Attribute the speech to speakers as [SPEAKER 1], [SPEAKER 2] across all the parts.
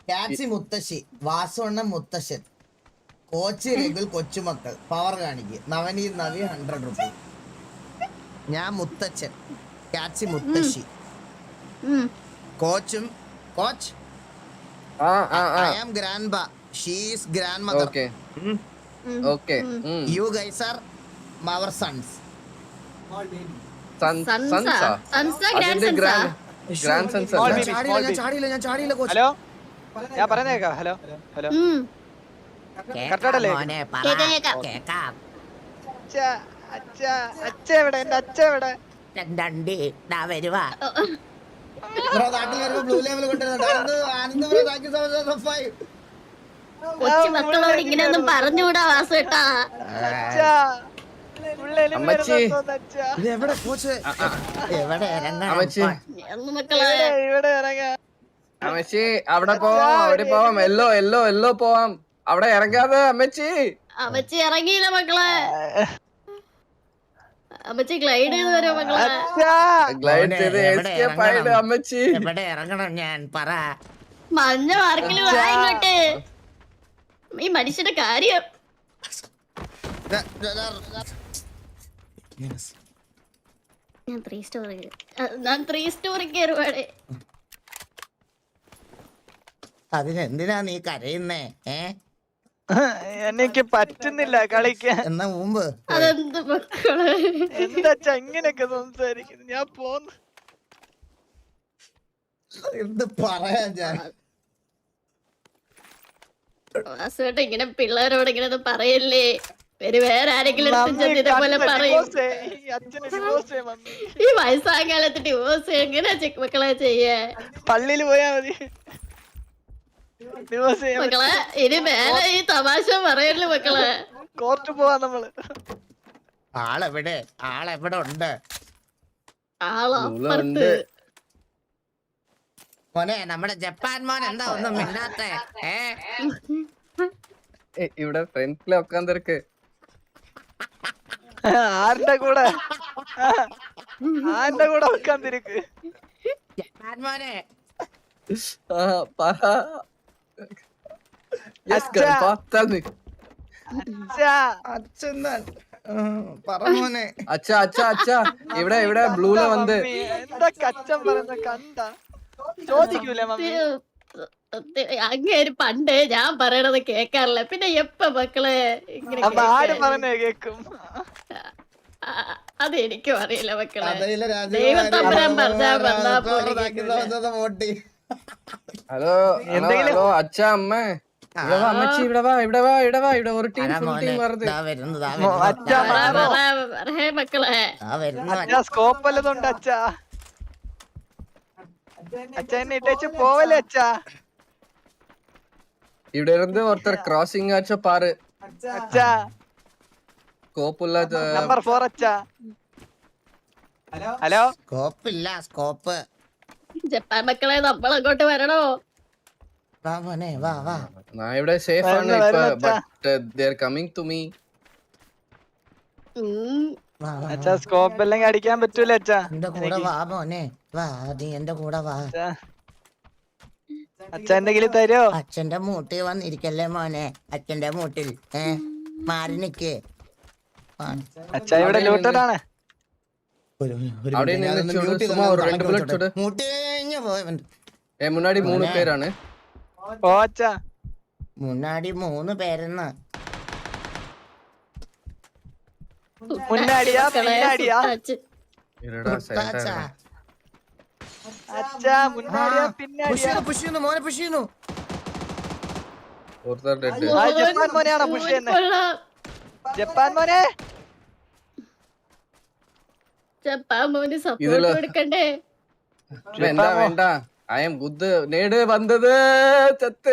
[SPEAKER 1] Catchy മുത്തശ്ശി, വാസുവണ്ണൻ മുത്തശ്ശൻ, coach രഘുൽ കൊച്ചുമക്കൾ, power കാണിക്ക്, നവനീത് നവി 100 റുപ്പീസ്. ഞാൻ മുത്തച്ഛൻ, ക്യാച്ചി മുത്തശ്ശി, കോച്ചും coach. I am grandpa, she is grandmother.
[SPEAKER 2] Okay.
[SPEAKER 1] You guys are our sons. ഞാൻ ചാടിയില്ല കോച്ച്.
[SPEAKER 3] ഹലോ ഞാൻ പറഞ്ഞേക്കാം. ഹലോ ഹലോ കറക്റ്റാടല്ലേ? അച്ഛ എവിടെ? എന്റെ അച്ഛ എവിടെ?
[SPEAKER 1] നാട്ടിൽ വരുമ്പോ ബ്ലൂ ലെവൽ കൊണ്ടുവരുന്നുണ്ട്.
[SPEAKER 4] കൊച്ചു മക്കളോട് ഇങ്ങനെയൊന്നും പറഞ്ഞുകൂടാ വാസുട്ടാ.
[SPEAKER 1] എവിടെ കോച്ച്? എവിടെ
[SPEAKER 3] ഇവിടെ ഇറങ്ങാ.
[SPEAKER 2] അമ്മച്ചി അവിടെ പോവാം എല്ലോ പോവാം. അവിടെ ഇറങ്ങാതെ അമ്മച്ചി.
[SPEAKER 4] അമ്മച്ചി ഇറങ്ങിയില്ല മക്കളെ. അമ്മച്ചി ഗ്ലൈഡ് ചെയ്ത് വരും മക്കളെ.
[SPEAKER 2] ഗ്ലൈഡ് ചെയ്ത് എസ്കേപ്പ് ആയിട്ട് അമ്മച്ചി.
[SPEAKER 1] എവിടെ ഇറങ്ങണം ഞാൻ പറ.
[SPEAKER 4] മഞ്ഞ മാർക്കിൽ വാ ഇങ്ങോട്ട്. ഈ മനുഷ്യന്റെ കാര്യം ഞാൻ 3 സ്റ്റോറി കയറുവാടെ.
[SPEAKER 1] അതിനെന്തിനാ നീ കരയുന്നേ?
[SPEAKER 3] എനിക്ക് പറ്റുന്നില്ല കളിക്കാൻ.
[SPEAKER 1] എന്നാ മുമ്പ്
[SPEAKER 4] അതെന്ത് മക്കളെ
[SPEAKER 3] എന്താ ഇങ്ങനെയൊക്കെ സംസാരിക്കുന്നു? ഞാൻ പോന്നു.
[SPEAKER 1] എന്ത് പറയാ ഞാൻ?
[SPEAKER 4] വാസുവേട്ട ഇങ്ങനെ പിള്ളേരോട് ഇങ്ങനെ ഒന്നും പറയല്ലേ. വേറെ ആരെങ്കിലും പോലെ പറയും. ഈ വയസ്സായ കാലത്ത് ഡിവോഴ്സ് എങ്ങനെയാ മക്കളെ ചെയ്യേ?
[SPEAKER 3] പള്ളിയിൽ പോയാ മതി.
[SPEAKER 4] മക്കളെ ഇനി മേലെ ഈ തമാശ പറയല്ലേ മക്കളെ.
[SPEAKER 3] കോർട്ട് പോവാ നമ്മള്.
[SPEAKER 1] ആളെവിടെ ഉണ്ട്?
[SPEAKER 4] ആളപ്പുറത്ത്.
[SPEAKER 1] മോനെ നമ്മുടെ ജപ്പാൻ മോൻ എന്താ ഒന്നും മിണ്ടാത്തെ?
[SPEAKER 2] ഇവിടെ ഫ്രണ്ട്സിലെ ഒക്കാൻ തിരക്ക്.
[SPEAKER 3] ആരുടെ കൂടെ വെക്കാൻ തിരക്ക്?
[SPEAKER 1] ജപ്പാൻ മോനെ പറമോനെ.
[SPEAKER 2] അച്ഛാ ഇവിടെ ബ്ലൂല വന്ന്
[SPEAKER 3] എന്താ കച്ചം പറയുന്ന കണ്ട ചോദിക്കൂലേ മമ്മി?
[SPEAKER 4] അങ്ങേര് പണ്ട് ഞാൻ പറയണത് കേക്കാറില്ല. പിന്നെ എപ്പ മക്കളെ
[SPEAKER 3] അപ്പൊ ആര് പറഞ്ഞേ കേക്കും?
[SPEAKER 4] അതെനിക്കും അറിയില്ല മക്കളെ.
[SPEAKER 2] ഹലോ അച്ഛാ അമ്മ അമ്മച്ചി ഇവിടെ വാ ഇവിടെ ഒരു ടീം
[SPEAKER 4] മക്കളെ
[SPEAKER 3] സ്കോപ്പ് വല്ലതുണ്ട് അച്ഛാ? അച്ഛ എന്നെ ഇട്ടേച്ച് പോവല്ലേ അച്ഛാ?
[SPEAKER 2] ഇവിടെ ഇருந்து ஒருத்தர் கிராசிங் ஆச்ச பாரு.
[SPEAKER 3] അച്ഛാ
[SPEAKER 2] സ്കോപ്പുള്ള
[SPEAKER 3] നമ്പർ 4 അച്ഛാ. Hello
[SPEAKER 1] scope.
[SPEAKER 4] ജപ്പാൻ മക്കളെ നമ്മൾ അങ്ങോട്ട് വരണോ?
[SPEAKER 1] വാ മോനെ വാ.
[SPEAKER 2] ഞാൻ ഇവിടെ സേഫ് ആണ് ഇപ്പോ. But they are coming to me.
[SPEAKER 3] അച്ഛാ സ്കോപ്പ് എല്ലാം അടിക്കാൻ പറ്റൂല അച്ഛാ.
[SPEAKER 1] എന്റെ കൂടെ വാ മോനെ വാ. നീ എന്റെ കൂടെ വാ.
[SPEAKER 3] അച്ഛ എന്തെങ്കിലും തരോ?
[SPEAKER 1] അച്ഛന്റെ മൂട്ടിൽ വന്നിരിക്കല്ലേ മോനെ. അച്ഛന്റെ മൂട്ടിൽ മാറി നിക്ക്.
[SPEAKER 3] അച്ഛാ ഇവിടെ ലൂട്ടഡാണ്.
[SPEAKER 2] അവിടെ നിന്ന് சும்மா ஒரு 2 புல்லட் சுடு.
[SPEAKER 1] മൂട്ടി കഴിഞ്ഞ പോയവൻ.
[SPEAKER 2] മുന്നാടി 3 പേരാണ്.
[SPEAKER 3] ഓ അച്ഛാ
[SPEAKER 1] മുന്നാടി 3 പേരെന്ന്.
[SPEAKER 3] മുന്നാടിയാ പിന്നാടിയാ?
[SPEAKER 2] ഇരടാ സൈലന്റ് ആണ്.
[SPEAKER 3] അച്ഛാ മുന്നാടിയാ പിന്നാടിയാ?
[SPEAKER 1] പുഷ് ചെയ്യുന്നു മോനെ പുഷ് ചെയ്യുന്നു.
[SPEAKER 2] ഒരുത്തർ ഡെഡ്.
[SPEAKER 3] ആ ജപ്പാൻ മോനെയാണോ പുഷ് ചെയ്യുന്നത്? ജപ്പാൻ മോനെ
[SPEAKER 4] ജപ്പാൻ മോന് സപ്പോർട്ട് കൊടുക്കണ്ടേ?
[SPEAKER 2] വേണ്ട ഐ ആം ഗുഡ്. നേട് വന്നത് ചത്ത്.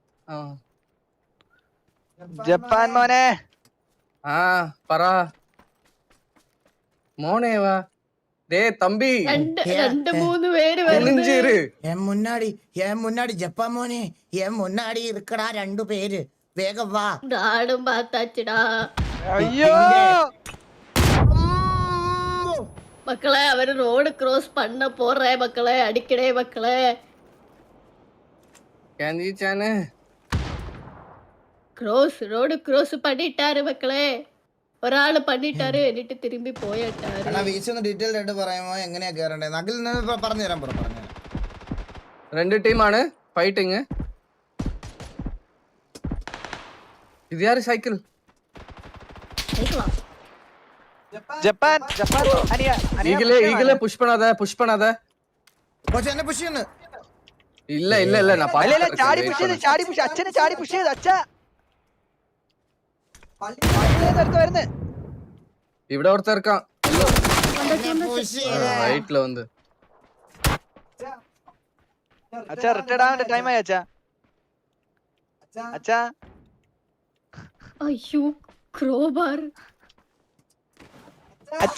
[SPEAKER 3] ജപ്പാൻ മോനെ
[SPEAKER 2] പറ മോനെ വാ. ദേ തമ്പി
[SPEAKER 4] 2-3 പേര് വരുന്നു.
[SPEAKER 1] മുന്നാടി ജപ്പാൻ മോനെ മുന്നാടി ഇരിക്കടാ 2 പേര്. വേഗം വാ.
[SPEAKER 4] നാടും പാത്താച്ചിടാ.
[SPEAKER 3] അയ്യോ
[SPEAKER 4] മക്കളെ അവര് റോഡ് ക്രോസ് பண்ண போறേ മക്കളെ. അടിക്കടേ മക്കളെ.
[SPEAKER 2] കാഞ്ചിച്ചാണ്
[SPEAKER 4] ரோடு க்ரோஸ் பண்ணிட்டாரு மக்களே ഒരാള് பண்ணிட்டாரு എന്നിട്ട് തിരുമ്പി പോയിട്ടാரு
[SPEAKER 1] അണ്ണാ വീശി ഒന്ന് ഡീറ്റെയിൽഡ് ആയിട്ട് പറയാമോ എങ്ങനെയാ കേറണ്ടേ നകിൽ പറഞ്ഞു തരാൻ പറഞ്ഞു
[SPEAKER 2] 2 ടീമാണ് ഫൈറ്റിങ് ഇത് യാര് സൈക്കിൾ
[SPEAKER 4] கேக்கலாம்
[SPEAKER 3] ജപ്പാൻ അനിയ
[SPEAKER 2] ഈഗിലെ പുഷ് பண்ணாத
[SPEAKER 1] കോച്ച് എന്നെ പുഷ് ചെയ്യുന്നു
[SPEAKER 2] ഇല്ല ഞാൻ
[SPEAKER 3] അല്ല ചാടി പുഷ് അച്ഛനെ ചാടി പുഷ് ചെയ്ത് അച്ഛ വരുന്നേ
[SPEAKER 2] ഇവിടെ ഒരുത്തൻ இருக்கான்
[SPEAKER 1] പുഷ് ചെയ്ത
[SPEAKER 2] റൈറ്റ്ல வந்து
[SPEAKER 3] അച്ഛ റിട്ടയർഡ് ആവേണ്ട ടൈം ആയി അച്ഛ
[SPEAKER 4] അയ്യോ ക്രോബാർ
[SPEAKER 3] അച്ഛ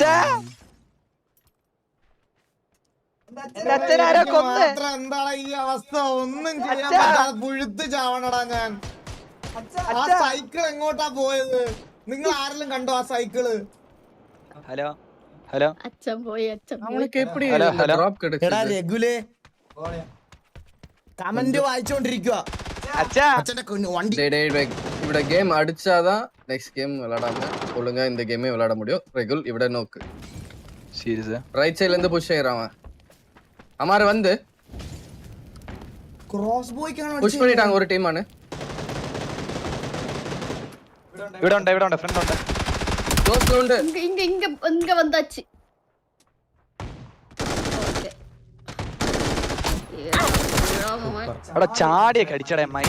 [SPEAKER 3] അച്ഛനാരാ കൊന്ന്
[SPEAKER 1] എന്താണ് ഈ അവസ്ഥ ഒന്നും ചെയ്യാൻ പറ്റാതെ പുഴുത്ത് ചാവണടാ ഞാൻ ആ സൈക്കിൾ എങ്ങോട്ടാ പോയത് നിങ്ങൾ ആരെങ്കിലും കണ്ടോ ആ സൈക്കിള്
[SPEAKER 3] ഹലോ
[SPEAKER 4] അച്ഛൻ പോയി
[SPEAKER 2] அவனுக்கு எப்படி
[SPEAKER 3] Hello,
[SPEAKER 2] இந்த
[SPEAKER 3] hello.
[SPEAKER 2] drop
[SPEAKER 1] എടാ
[SPEAKER 2] கிடைச்சது
[SPEAKER 1] രഘുലേ കമന്റ് വായിച്ചോണ്ടിരിക്കുക
[SPEAKER 3] അച്ഛ
[SPEAKER 1] അച്ഛന്റെ വണ്ടി
[SPEAKER 2] டேய் இவட கேம் அடிச்சாதான் நெக்ஸ்ட் கேம் விளையாடாம ஒழுங்கா இந்த கேமே விளையாட முடியும் ரெகுல் இவட நோக்கு
[SPEAKER 3] സീരിയസ്
[SPEAKER 2] ரைட் சைடுல இருந்து புஷ் செய்யறான் அமார் வந்து
[SPEAKER 1] ക്രോസ് ബോയ്ക്കാണ്
[SPEAKER 2] புஷ் பண்ணிட்டாங்க ஒரு டீம் ஆனு
[SPEAKER 3] ഇവിടെ ഉണ്ട് ഫ്രണ്ട് ഉണ്ട്
[SPEAKER 2] க்ளோஸ்ல உண்டு
[SPEAKER 4] இங்க வந்தாச்சு ഓക്കേ
[SPEAKER 3] അവിടെ ചാടിയൊക്കെ അടിച്ചടേ മൈ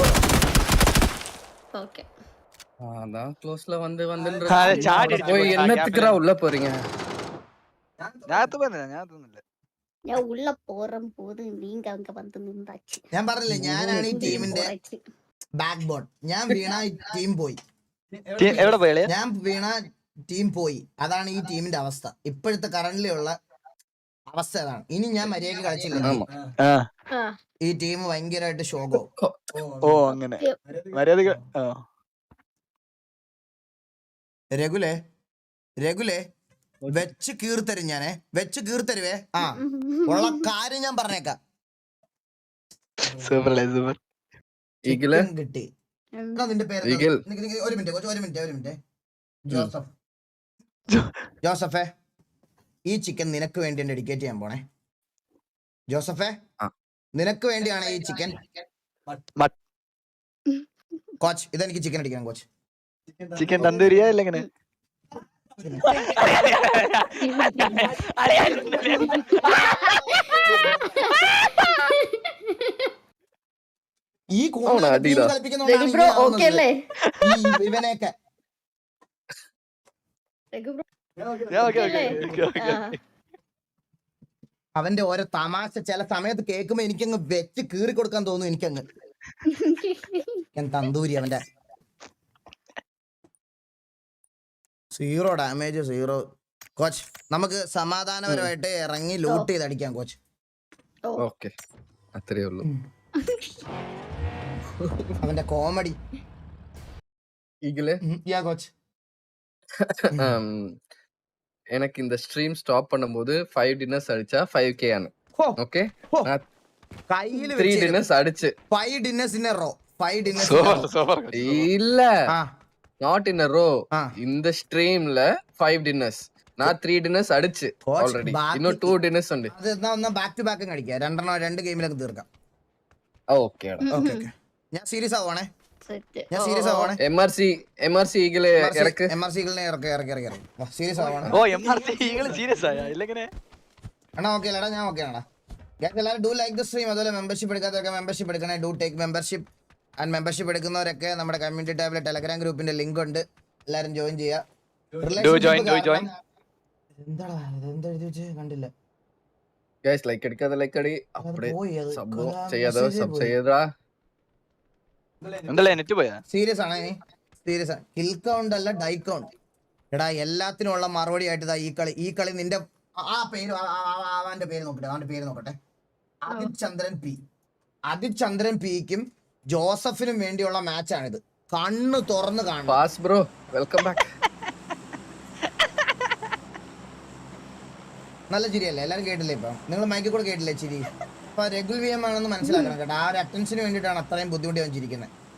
[SPEAKER 4] ஓகே
[SPEAKER 2] அதான் க்ளோஸ்ல வந்து
[SPEAKER 3] ചാടി
[SPEAKER 2] போய் என்னத்துக்குறா உள்ள போறீங்க
[SPEAKER 3] ഞാനൊന്നുമില്ല
[SPEAKER 4] ഞാൻ ഉള്ള പോറം പോത് നീങ്ക അങ്ക വന്ന് നിന്നാச்சு
[SPEAKER 1] ഞാൻ പറഞ്ഞില്ലേ ഞാനാണ് ഈ ടീമിന്റെ ബാക്ക് ബോൺ ഞാൻ വീണ ടീം പോയി
[SPEAKER 3] എവിടെ പോയാലേ
[SPEAKER 1] ഞാൻ വീണ ടീം പോയി അതാണ് ഈ ടീമിന്റെ അവസ്ഥ ഇപ്പോഴത്തെ കറന്റ്ലി ഉള്ള അവസ്ഥ അതാണ് ഇനി ഞാൻ മര്യാദക്ക് കളിച്ചില്ല
[SPEAKER 2] ஆமா
[SPEAKER 1] ഈ ടീം ഭയങ്കരമായിട്ട് ഷോകോ
[SPEAKER 3] ഓ അങ്ങനെ മര്യാദ
[SPEAKER 1] രഘുലേ വെച്ച് കീർത്തരും ഞാനേ വെച്ച് കീർത്തരുവേ ആ ഉള്ള കാര്യം ഞാൻ പറഞ്ഞേക്കാം
[SPEAKER 3] സൂപ്പർ
[SPEAKER 2] ഈഗിള്
[SPEAKER 1] ചിക്കൻ കിട്ടി എടാ, നിന്റെ പേര്
[SPEAKER 2] ഈഗിൾ.
[SPEAKER 1] ഒരു മിനിറ്റ് ജോസഫേ ഈ ചിക്കൻ നിനക്ക് വേണ്ടി ഡെഡിക്കേറ്റ് ചെയ്യാൻ പോണേ ജോസഫേ
[SPEAKER 2] ആ.
[SPEAKER 1] നിനക്ക് വേണ്ടിയാണ് ഈ ചിക്കൻ കോച്ച് ഇതെനിക്ക് ചിക്കൻ അടിക്കണം കോച്ച്
[SPEAKER 3] ചിക്കൻ തന്തൂരിയാ അല്ല എങ്ങനെ
[SPEAKER 1] ഈ
[SPEAKER 2] അവനെ അടിയിടാ.
[SPEAKER 4] രഘു ബ്രോ ഓക്കേ അല്ലേ
[SPEAKER 1] ഇവനെയൊക്കെ
[SPEAKER 4] രഘു ബ്രോ
[SPEAKER 3] ഓക്കെ
[SPEAKER 4] ആ.
[SPEAKER 1] അവന്റെ ഓരോ തമാശ ചില സമയത്ത് കേൾക്കുമ്പോ എനിക്കങ്ങ് വെച്ച് കീറി കൊടുക്കാൻ തോന്നും എനിക്കങ്ങ് ഞാൻ തന്തൂരി അവന്റെ 0 ഡാമേജ് 0 കോച്ച് നമുക്ക് സമാധാനപരമായിട്ട് ഇറങ്ങി ലൂട്ട് ചെയ്ത് അടിക്കാം കോച്ച്
[SPEAKER 2] ഓക്കെ അത്രേ ഉള്ളൂ
[SPEAKER 1] അവന്റെ കോമഡി
[SPEAKER 2] ഈഗിള്
[SPEAKER 1] കോച്ച്
[SPEAKER 2] எனக்கு இந்த ஸ்ட்ரீம் ஸ்டாப் பண்ணும்போது 5 டின்னர்ஸ் அடிச்சா 5k ആണ് ഓക്കെ
[SPEAKER 1] കയ്യില്
[SPEAKER 2] 3 டின்னர்ஸ் அடிச்சு
[SPEAKER 1] 5 dinners in a row 5 dinners
[SPEAKER 2] இல்ல நாட் இன் a row
[SPEAKER 1] ஆ.
[SPEAKER 2] இந்த ஸ்ட்ரீம்ல 5 டின்னர்ஸ் நான் 3 டின்னர்ஸ் அடிச்சு
[SPEAKER 1] Coach,
[SPEAKER 2] ஆல்ரெடி
[SPEAKER 1] ബാക്കി-
[SPEAKER 2] இன்னும் 2 டின்னர்ஸ் ഉണ്ട്
[SPEAKER 1] അത് എന്നാ ബാക്ക് ടു ബാക്ക് അടിക്കാം 2 ഗെയിമിലൊക്കെ തീർക്കാം
[SPEAKER 2] ഓക്കെ
[SPEAKER 1] ഓക്കെ ഞാൻ സീരിയസ് ആവുവാണേ
[SPEAKER 4] സെറ്റ്
[SPEAKER 1] ഞാൻ സീരിയസ് ആവുവാണേ
[SPEAKER 2] എംആർസി ഈഗിള് ഇറക്ക്
[SPEAKER 1] എംആർസികളിനെ ഇറക്കി സീരിയസ് ആവുവാണ്
[SPEAKER 3] ഓ എംആർസി സീരിയസ് ആയ ഇല്ലെങ്ങനെ
[SPEAKER 1] അണ്ണാ ഓക്കെ അല്ലടാ ഞാൻ ഓക്കെ ആണോ എല്ലാവരും ഡു ലൈക്ക് ദ സ്ട്രീം അതുപോലെ മെമ്പർഷിപ്പ് എടുക്കാത്തവരൊക്കെ മെമ്പർഷിപ്പ് എടുക്കണേ do take membership and membership എടുക്കുന്നവരൊക്കെ നമ്മുടെ കമ്മ്യൂണിറ്റി ടാബിലെ ടെലഗ്രാം ഗ്രൂപ്പിന്റെ ലിങ്ക് ഉണ്ട് എല്ലാരും ജോയിൻ ചെയ്യാം
[SPEAKER 3] join.
[SPEAKER 1] എന്താടാ ഇതെന്താ എഴുതി വെച്ച് കണ്ടില്ല
[SPEAKER 2] ഗൈസ് ലൈക്ക് അടിക്കാതെ ലൈക്ക് അടി
[SPEAKER 1] അത്
[SPEAKER 2] அப்படியே
[SPEAKER 1] പോയി അത്
[SPEAKER 2] സബ്
[SPEAKER 1] ആ
[SPEAKER 2] ചെയ്യാതെ
[SPEAKER 1] message
[SPEAKER 2] സബ്
[SPEAKER 1] പോയി.
[SPEAKER 2] ചെയ്യടാ
[SPEAKER 3] എന്തല്ലേ നെറ്റ് പോയാ
[SPEAKER 1] സീരിയസ് ആണ് സീരിയസ് ആണ് കിൽ കൗണ്ട് അല്ല ഡൈ കൗണ്ട് എടാ എല്ലാത്തിനും ഉള്ള മറുപടി ആയിട്ട് ഇതാ ഈ കളി നിന്റെ ആ പേര് അവന്റെ പേര് നോക്കട്ടെ ആദിത് ചന്ദ്രൻ പിക്കും ജോസഫിനും വേണ്ടിയുള്ള മാച്ചാണിത് കണ്ണ് തുറന്ന് കാണണം
[SPEAKER 2] പാസ് ബ്രോ വെൽക്കം ബാക്ക്
[SPEAKER 1] നല്ല ചിരിയല്ലേ എല്ലാരും കേട്ടില്ലേ ഇപ്പൊ നിങ്ങൾ മൈക്കിൽ കൂടെ കേട്ടില്ലേ ചിരി ഇപ്പൊ റെഗുൽ വി എം ആണെന്ന് മനസ്സിലാക്കണം കേട്ടോ. ആ ഒരു അറ്റൻഷന് വേണ്ടിയിട്ടാണ് അത്രയും ബുദ്ധിമുട്ടി വന്നിരിക്കുന്നത്.